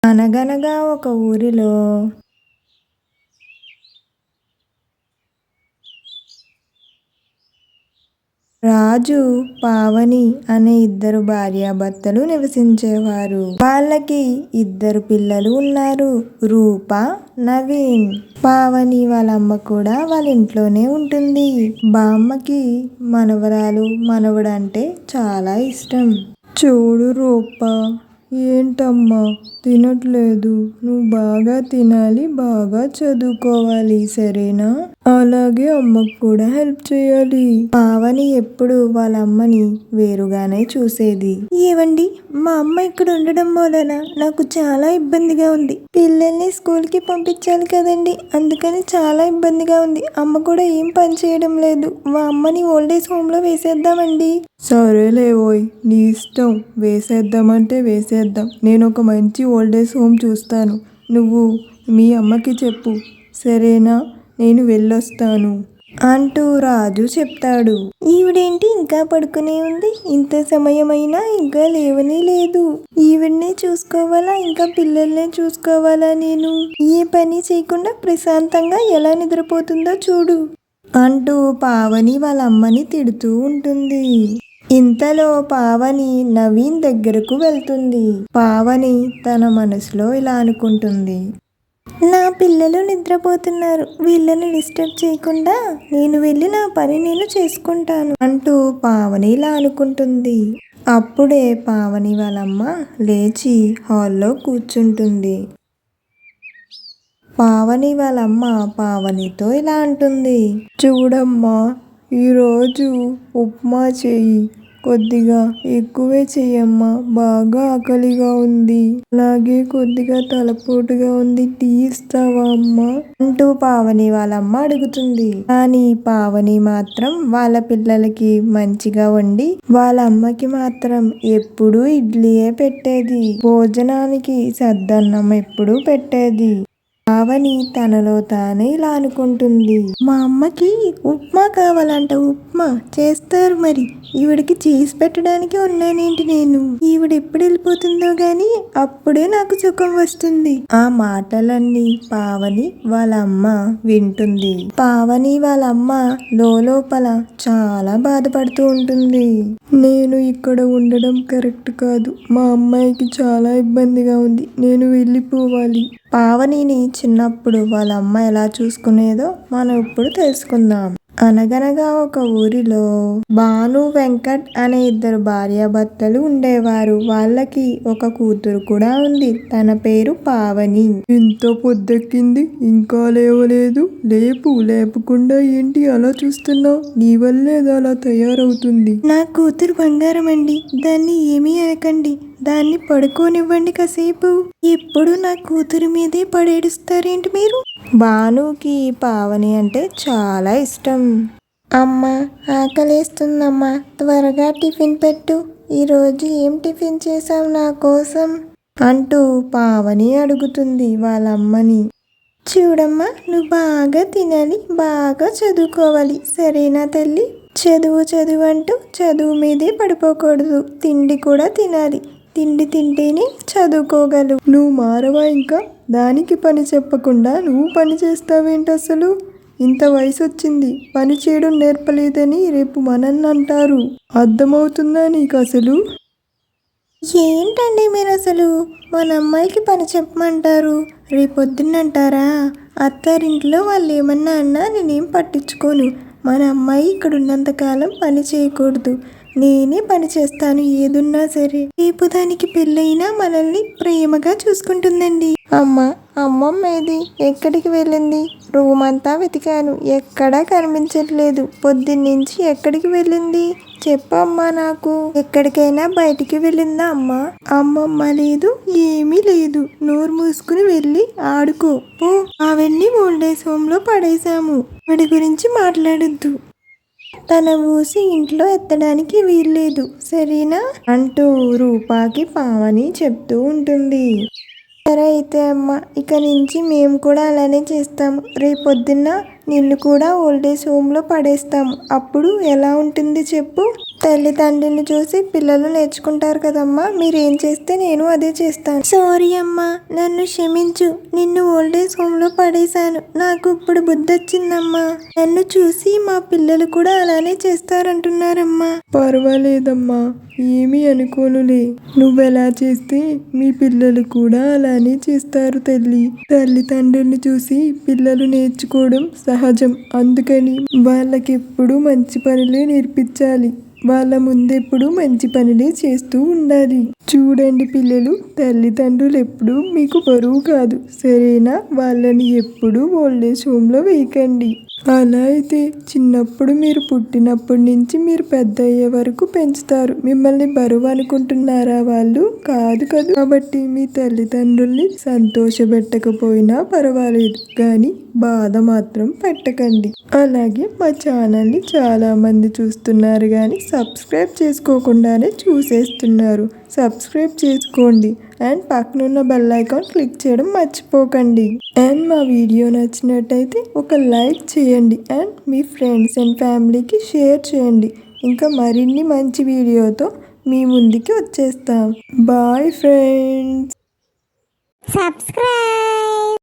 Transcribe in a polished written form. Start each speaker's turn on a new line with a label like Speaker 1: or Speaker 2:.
Speaker 1: అనగనగా ఒక ఊరిలో రాజు, పావని అనే ఇద్దరు భార్యాభర్తలు నివసించేవారు. వాళ్ళకి ఇద్దరు పిల్లలు ఉన్నారు, రూప, నవీన్. పావని వాళ్ళ అమ్మ కూడా వాళ్ళ ఇంట్లోనే ఉంటుంది. బామ్మకి మనవరాలు, మనవడు అంటే చాలా ఇష్టం. చూడు రూప, ఏంటమ్మా తినట్లేదు? నువ్వు బాగా తినాలి, బాగా చదువుకోవాలి, సరేనా? అలాగే అమ్మకు కూడా హెల్ప్ చేయాలి. పావని ఎప్పుడు వాళ్ళ అమ్మని వేరుగానే చూసేది. ఏవండి, మా అమ్మ ఇక్కడ ఉండడం వలన నాకు చాలా ఇబ్బందిగా ఉంది. పిల్లల్ని స్కూల్కి పంపించాలి కదండి, అందుకని చాలా ఇబ్బందిగా ఉంది. అమ్మ కూడా ఏం పని చేయడం లేదు. మా అమ్మని ఓల్డేజ్ హోమ్లో వేసేద్దామండి. సరేలేవోయ్, నీ ఇష్టం. వేసేద్దామంటే వేసేద్దాం. నేను ఒక మంచి ఓల్డేజ్ హోమ్ చూస్తాను. నువ్వు మీ అమ్మకి చెప్పు, సరేనా? నేను వెళ్ళొస్తాను అంటూ రాజు చెప్తాడు. ఈవిడేంటి ఇంకా పడుకునే ఉంది? ఇంత సమయమైనా ఇంకా లేవనే లేదు. ఈవిడ్నే చూసుకోవాలా, ఇంకా పిల్లల్నే చూసుకోవాలా? నేను ఏ పని చేయకుండా ప్రశాంతంగా ఎలా నిద్రపోతుందో చూడు అంటూ పావని వాళ్ళ అమ్మని తిడుతూ ఉంటుంది. ఇంతలో పావని నవీన్ దగ్గరకు వెళ్తుంది. పావని తన మనసులో ఇలా అనుకుంటుంది, నా పిల్లలు నిద్రపోతున్నారు, వీళ్ళని డిస్టర్బ్ చేయకుండా నేను వెళ్ళి నా పని నేను చేసుకుంటాను అంటూ పావని ఇలా అనుకుంటుంది. అప్పుడే పావని వాళ్ళమ్మ లేచి హాల్లో కూర్చుంటుంది. పావని వాళ్ళమ్మ పావనితో ఇలా అంటుంది, చూడమ్మా, ఈరోజు ఉప్మా చెయ్యి, కొద్దిగా ఎక్కువే చెయ్యమ్మా, బాగా ఆకలిగా ఉంది, అలాగే కొద్దిగా తలపోటుగా ఉంది, టీ ఇస్తావా అమ్మా అంటూ పావని వాళ్ళమ్మ అడుగుతుంది. కానీ పావని మాత్రం వాళ్ళ పిల్లలకి మంచిగా వండి వాళ్ళ అమ్మకి మాత్రం ఎప్పుడూ ఇడ్లీయే పెట్టేది. భోజనానికి సద్దన్నం ఎప్పుడూ పెట్టేది. పావని తనలో తానే ఇలా అనుకుంటుంది, మా అమ్మకి ఉప్మా కావాలంట, ఉప్మా చేస్తారు, మరి ఈవిడికి చేసి పెట్టడానికి ఉన్నానేంటి నేను? ఈవిడ ఎప్పుడు వెళ్ళిపోతుందో గాని అప్పుడే నాకు సుఖం వస్తుంది. ఆ మాటలన్నీ పావని వాళ్ళ అమ్మ వింటుంది. పావని వాళ్ళ అమ్మ లోపల చాలా బాధపడుతూ ఉంటుంది. నేను ఇక్కడ ఉండడం కరెక్ట్ కాదు, మా అమ్మాయికి చాలా ఇబ్బందిగా ఉంది, నేను వెళ్ళిపోవాలి. పావనిని చిన్నప్పుడు వాళ్ళ అమ్మ ఎలా చూసుకునేదో మనం ఇప్పుడు తెలుసుకుందాం. అనగనగా ఒక ఊరిలో భాను, వెంకట్ అనే ఇద్దరు భార్యాభర్తలు ఉండేవారు. వాళ్ళకి ఒక కూతురు కూడా ఉంది. తన పేరు పావని. ఇంత పొద్దెక్కింది, ఇంకా లేవలేదు? లేపకుండా ఏంటి అలా చూస్తున్నావు? నీ వల్లే అలా తయారవుతుంది. నా కూతురు బంగారం అండి, దాన్ని ఏమీ అనకండి, దాన్ని పడుకోనివ్వండి కాసేపు. ఎప్పుడు నా కూతురు మీదే పడేడుస్తారేంటి మీరు? భానుకి పావని అంటే చాలా ఇష్టం. అమ్మా, ఆకలేస్తుందమ్మా, త్వరగా టిఫిన్ పెట్టు. ఈరోజు ఏం టిఫిన్ చేసావు నా కోసం అంటూ పావని అడుగుతుంది వాళ్ళ అమ్మని. చూడమ్మా, నువ్వు బాగా తినాలి, బాగా చదువుకోవాలి, సరేనా తల్లి? చదువు అంటూ చదువు మీదే పడిపోకూడదు. తిండి కూడా తినాలి, తిండి తింటేనే చదువుకోగలవు. నువ్వు మారవా ఇంకా? దానికి పని చెప్పకుండా నువ్వు పని చేస్తావేంటి అసలు? ఇంత వయసు వచ్చింది, పని చేయడం నేర్పలేదని రేపు మనల్ని అంటారు. అర్థమవుతుందా నీకు అసలు? ఏంటండి మీరు అసలు? మన అమ్మాయికి పని చెప్పమంటారు, రేపొద్దున్నంటారా? అత్తారింట్లో వాళ్ళు ఏమన్నా అన్నా నేనేం పట్టించుకోను. మన అమ్మాయి ఇక్కడ ఉన్నంతకాలం పని చేయకూడదు, నేనే పని చేస్తాను ఏదున్నా సరే. రేపు దానికి పెళ్ళైనా మనల్ని ప్రేమగా చూసుకుంటుందండి. అమ్మమ్మ ఏది? ఎక్కడికి వెళ్ళింది? రూమ్ అంతా వెతికాను, ఎక్కడా కనిపించట్లేదు. పొద్దున్నుంచి ఎక్కడికి వెళ్ళింది చెప్పమ్మా నాకు. ఎక్కడికైనా బయటికి వెళ్ళిందా అమ్మా? అమ్మమ్మ లేదు, ఏమీ లేదు. నోరు మూసుకుని వెళ్ళి ఆడుకో పో. అవన్నీ ఓల్డేజ్ హోమ్లో పడేశాము, వాడి గురించి మాట్లాడొద్దు. తన ఊసి ఇంట్లో ఎత్తడానికి వీల్లేదు, సరేనా అంటూ రూపాకి పావని చెప్తూ ఉంటుంది. సరే అయితే అమ్మ, ఇక నుంచి మేము కూడా అలానే చేస్తాము. రేపొద్దున్న నిన్ను కూడా ఓల్డేజ్ హోమ్లో పడేస్తాము. అప్పుడు ఎలా ఉంటుంది చెప్పు? తల్లిదండ్రులను చూసి పిల్లలు నేర్చుకుంటారు కదమ్మా. మీరేం చేస్తే నేను అదే చేస్తాను. సారీ అమ్మా, నన్ను క్షమించు. నిన్ను ఓల్డేజ్ హోమ్లో పడేశాను. నాకు ఇప్పుడు బుద్ధి వచ్చిందమ్మా. నన్ను చూసి మా పిల్లలు కూడా అలానే చేస్తారంటున్నారమ్మా. పర్వాలేదమ్మా, ఏమీ అనుకోనులే. నువ్వెలా చేస్తే మీ పిల్లలు కూడా అలానే చేస్తారు తల్లి. తల్లిదండ్రులను చూసి పిల్లలు నేర్చుకోవడం సహజం. అందుకని వాళ్ళకెప్పుడు మంచి పనులే నేర్పించాలి. వాళ్ళ ముందెప్పుడు మంచి పనులే చేస్తూ ఉండాలి. చూడండి పిల్లలు, తల్లిదండ్రులు ఎప్పుడు మీకు బరువు కాదు, సరేనా? వాళ్ళని ఎప్పుడు ఓల్డేజ్ హోమ్లో వేయకండి. అలా అయితే చిన్నప్పుడు మీరు పుట్టినప్పటి నుంచి మీరు పెద్ద అయ్యే వరకు పెంచుతారు. మిమ్మల్ని బరువు అనుకుంటున్నారా వాళ్ళు? కాదు కదా. కాబట్టి మీ తల్లిదండ్రుల్ని సంతోషపెట్టకపోయినా పర్వాలేదు, కానీ బాధ మాత్రం పెట్టకండి. అలాగే మా ఛానల్ని చాలా మంది చూస్తున్నారు కానీ సబ్స్క్రైబ్ చేసుకోకుండానే చూసేస్తున్నారు. సబ్స్క్రైబ్ చేసుకోండి అండ్ పక్కనున్న బెల్ ఐకాన్ క్లిక్ చేయడం మర్చిపోకండి. అండ్ మా వీడియో నచ్చినట్టయితే ఒక లైక్ చేయండి అండ్ మీ ఫ్రెండ్స్ అండ్ ఫ్యామిలీకి షేర్ చేయండి. ఇంకా మరిన్ని మంచి వీడియోతో మీ ముందుకి వచ్చేస్తాం. Bye friends.
Speaker 2: సబ్స్క్రైబ్.